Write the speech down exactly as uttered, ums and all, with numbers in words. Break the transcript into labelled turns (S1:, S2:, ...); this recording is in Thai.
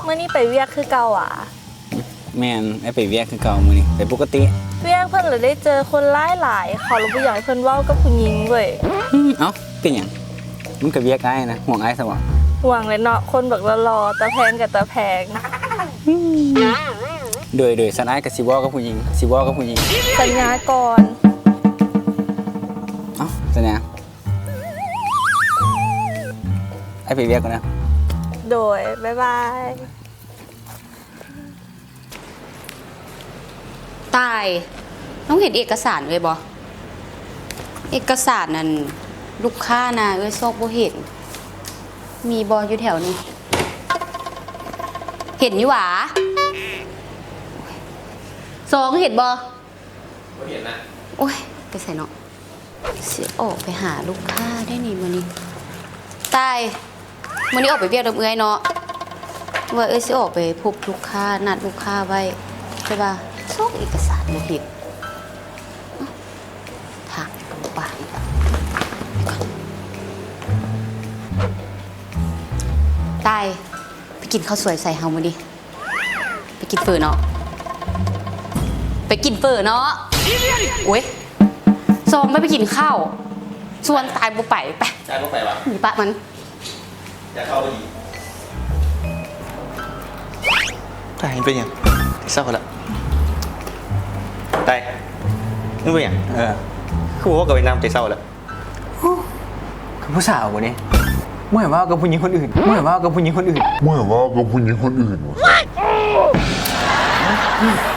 S1: เมื่อนี้ไปเวียกคือเก่าอ่ะ
S2: แม่นไอ้ไปเวียกคือเก่ามื้อนี้ไปปกติ
S1: เวียกเพิ่นเลยได้เจอคนหลายหลายขอรู้บ่อยากให้เพิ่นเว้ากับผู้หญิงเว้ย
S2: เอ้าเป็นหยังมันก็เวียกอ้ายนะห่วงอ้ายซะบ่
S1: ห่วงเลยเนาะคนบักรอๆตะแพงกับตะแพง
S2: โดยโดยสันอ้ายก็สิเว้ากับผู้หญิงสิเว้ากับผู้หญิง
S1: สัญญาก่อน
S2: เอ้าสัญญาไอ้ไปเวียกก่อนนะ
S1: โดยบ๊ายบาย
S3: ตายน้องเห็นเอกสารเลยบอเอกสารนั่นลูกค้านะเอ้ยซอกบ่เห็นมีบออยู่แถวนี้เห็นอยู่หวาสองเห็นบอบ่เห็นนะโอ้ยไปใส่เนาะเสียออกไปหาลูกค้าได้นี่มื้อนี้ตายมื้อนี้ออกไปเวียกดอกเอื้อยเนาะว่าเอ้ยสิออกไปพบลูกค้านัดลูกค้าไว้ใช่ป่ะซอกเอกสารบ่เห็นทางกับบ้านอีกแล้วตายไปกินข้าวสวยใส่เฮามาดิไปกินเฟอเนาะไปกินเฟอเนาะโอ้ยซองไม่ไปกินข้าวชวนตายบุไปไป
S4: ตายบุไปวะ
S3: หนีปะมัน
S4: จะเข้าไปดีตายเป็นยังที่เศร้าละตายนี่เป็นยัง
S2: เออ
S4: คือบอกว่ากับไปน้ำใจเศร้าแล้ว
S2: คือผู้สาวบ่นี่เมื่อว่ากับผู้หญิงคนอื่นเมื่อว่ากับผู้หญิงคนอื่น
S5: เมื่อว่ากับผู้หญิงคนอื่นวะ